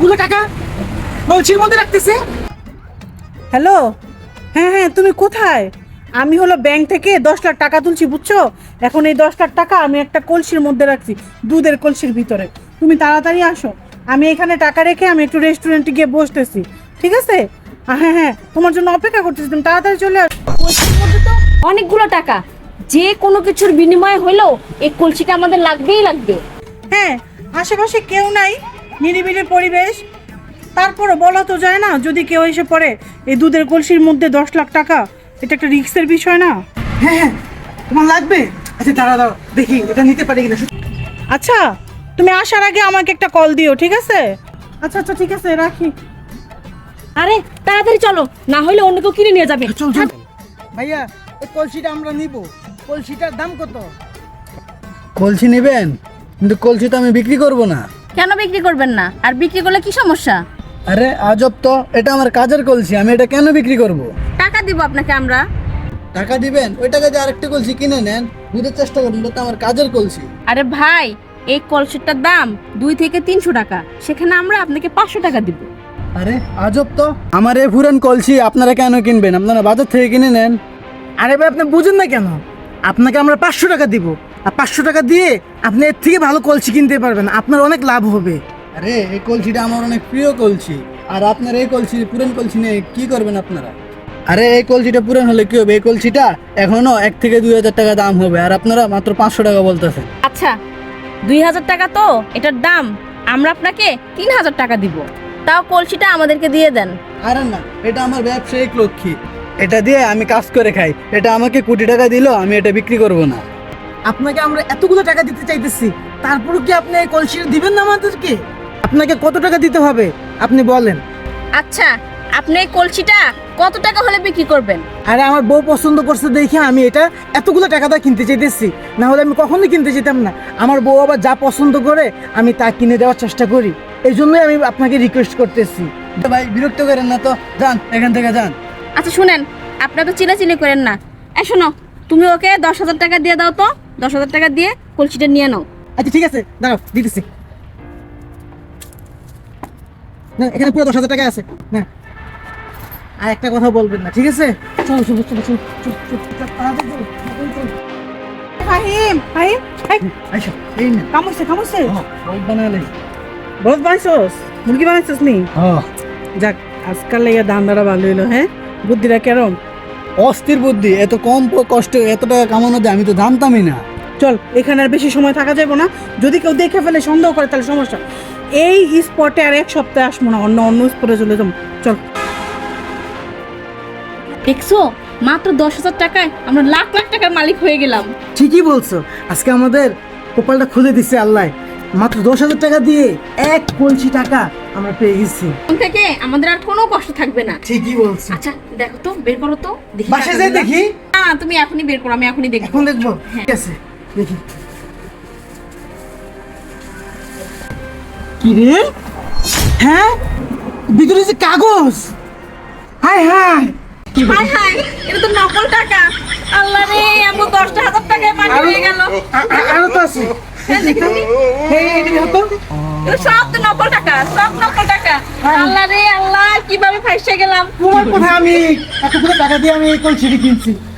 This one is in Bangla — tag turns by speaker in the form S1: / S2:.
S1: এতগুলো টাকা কলসির মধ্যে রাখতেছে।
S2: হ্যালো, হ্যাঁ হ্যাঁ, তুমি কোথায়? আমি হলো ব্যাংক থেকে 10 লাখ টাকা তুলছি, বুঝছো? এখন এই 10 লাখ টাকা আমি একটা কলসির মধ্যে রাখছি, দুধের কলসির ভিতরে। তুমি তাড়াতাড়ি আসো, আমি এখানে টাকা রেখে আমি একটু রেস্টুরেন্টে গিয়ে বসতেছি, ঠিক আছে? হ্যাঁ হ্যাঁ, তোমার জন্য অপেক্ষা করতেছি, তুমি তাড়াতাড়ি চলে আসো।
S3: কলসির মধ্যে তো অনেকগুলো টাকা, যে কোনো কিছুর বিনিময়ে হলেও এই কলসিটা আমাদের লাগবেই লাগবে।
S2: হ্যাঁ, আশেপাশে কেউ নাই, নিরিবিলি পরিবেশ, তারপরে বলা তো যায় না যদি কেউ এসে পড়ে এই দুধের কলসির মধ্যে 10 লাখ টাকা, এটা একটা রিস্কের বিষয় না?
S1: হ্যাঁ হ্যাঁ, তোমার লাগবে? আচ্ছা দাঁড়া দাঁড়া, দেখি এটা নিতে পারি কিনা।
S2: আচ্ছা, তুমি আসার আগে আমাকে একটা কল দিও, ঠিক আছে? আচ্ছা আচ্ছা, ঠিক আছে, রাখি।
S3: আরে তাড়াতাড়ি চলো, না হলে অন্য কেউ কিনে নিয়ে যাবে।
S1: চল চল। ভাইয়া, এই কলসিটা আমরা নিব, কলসিটার দাম কত?
S4: কলসি নেবেন, কিন্তু কলসি তো আমি বিক্রি করব না।
S3: কেন বিক্রি করবেন না? আর বিক্রি করলে কি সমস্যা?
S4: আরে আজব তো, এটা আমার কাজের কলসি, আমি এটা কেন বিক্রি করব?
S3: টাকা দিব আপনাকে আমরা।
S4: টাকা দিবেন, ওই টাকা দিয়ে আরেকটা কলসি কিনে নেন, বুঝতে চেষ্টা করুন, এটা তো আমার কাজের কলসি।
S3: আরে ভাই, এই কলসিটার দাম 2 থেকে 300 টাকা, সেখানে আমরা আপনাকে 500 টাকা দিব।
S4: আরে আজব তো, আমার এই পুরান কলসি আপনারা কেন কিনবেন? আপনারা বাজার থেকে কিনে নেন।
S1: আরে ভাই, আপনি বুঝেন না কেন? আপনাকে আমরা 500 টাকা দিব, আর 500 টাকা দিয়ে আপনি এর থেকে ভালো কলসি কিনতে পারবেন, আপনার অনেক লাভ হবে।
S4: আরে এই কলসিটা আমার অনেক প্রিয় কলসি, আর আপনার এই কলসি, পুরান কলসি নিয়ে কি করবেন আপনারা? আরে এই কলসিটা পুরান হলে কি হবে? এই কলসিটা এখনো 1 থেকে 2 হাজার টাকা দাম হবে, আর আপনারা মাত্র 500 টাকা বলতেছেন।
S3: আচ্ছা, 2000 টাকা তো এটার দাম, আমরা আপনাকে 3000 টাকা দিব। তাও কলসিটা আমাদেরকে দিয়ে দেন।
S4: আরে না, এটা আমার ব্যবসায়িক লক্ষ্মী, এটা দিয়ে আমি কাজ করে খাই, এটা আমাকে কোটি টাকা দিল, আমি এটা বিক্রি করব না।
S1: আপনাকে আমরা এতগুলো টাকা দিতে চাইতেছি, তারপরে কি আপনি এই কলসিটা দিবেন না আমাদেরকে? আপনাকে কত টাকা দিতে হবে আপনি বলেন।
S3: আচ্ছা, আপনি এই কলসিটা কত টাকা হলে বিক্রি করবেন?
S1: আরে আমার বউ পছন্দ করছে দেখে আমি এটা এতগুলো টাকা দিয়ে কিনতে চাইতেছি, না হলে আমি কখনোই কিনতে চাইতাম না। আমার বউ আবার যা পছন্দ করে আমি তা কিনে দেওয়ার চেষ্টা করি, এই জন্যই আমি আপনাকে রিকোয়েস্ট করতেছি।
S4: ভাই বিরক্ত করেন না তো, যান এখান থেকে যান।
S3: আচ্ছা শুনেন, আপনারা তো চিলাচিলি করেন না। শোনো, তুমি ওকে 10,000 টাকা দিয়ে দাও তো, 10,000 টাকা দিয়ে কলসিটা নিয়ে নাও।
S1: আচ্ছা ঠিক আছে, দাঁড়াও দিতেছি। না, এখানে পুরো 10,000 টাকা আছে না। আর একটা কথা বলবেন না, ঠিক আছে? চলো চলো চলো চলো চলো চলো, তাড়াতাড়ি চলো, তাড়াতাড়ি চলো।
S2: ফাহিম, ফাহিম, এই,
S4: আচ্ছা এই না,
S2: কামড়ছে কামড়ছে।
S4: রোদ বানালে।
S2: বহুত বানাইছস? মুরগি বানাইছস নি?
S4: হ্যাঁ,
S2: যাক, আজকাল লেগে দান্দাটা ভালো হইলো। হ্যাঁ, বুদ্ধিটা কেরম?
S4: অস্থির বুদ্ধি, এত কম কষ্টে এত টাকা কামানো যায় আমি তো জানতামই না।
S2: চল, এখানে আর বেশি সময় থাকা যাবে না, যদি কেউ দেখে ফেলে সন্দেহ করে তাহলে সমস্যা। এই স্পটে আর 1 সপ্তাহ আসবো না, অন্য অন্য স্পটে চলে যাবো। চল।
S3: দেখছো, মাত্র 10,000 টাকায় আমরা লাখ লাখ টাকার মালিক হয়ে গেলাম।
S1: ঠিকই বলছো, আজকে আমাদের কপালটা খুলে দিচ্ছে আল্লাহ। মাত্র 10,000 টাকা দিয়ে 1 কলসি টাকা আমরা পেয়ে গেছি।
S3: এখন থেকে আমাদের আর কোনো কষ্ট থাকবে না।
S1: ঠিকই বলছো।
S3: আচ্ছা দেখো তো, বের করো তো দেখি।
S1: বাসায় যাই দেখি।
S3: না না, তুমি এখনই বের করো, আমি এখনই দেখবো।
S1: এখন দেখবো?
S3: হ্যাঁ।
S1: ঠিক আছে, দেখি। কি রে? হ্যাঁ, ভিতরে যে কাগজ। হাই হাই,
S3: হাই হাই, এটা তো নকল টাকা। আল্লাহ রে, আমার 10,000 টাকায় পানি হয়ে গেল।
S1: আরো তো আছে।
S3: হ্যাঁ, দেখো।
S1: এই এই দেখো তো।
S3: এগুলো সব তো নকল টাকা, সব নকল টাকা। আল্লাহ রে আল্লাহ, কিভাবে ফাঁসে গেলাম।
S1: তোমার কথা আমি এতগুলো টাকা দিয়ে আমি এই কলসিটি কিনছি।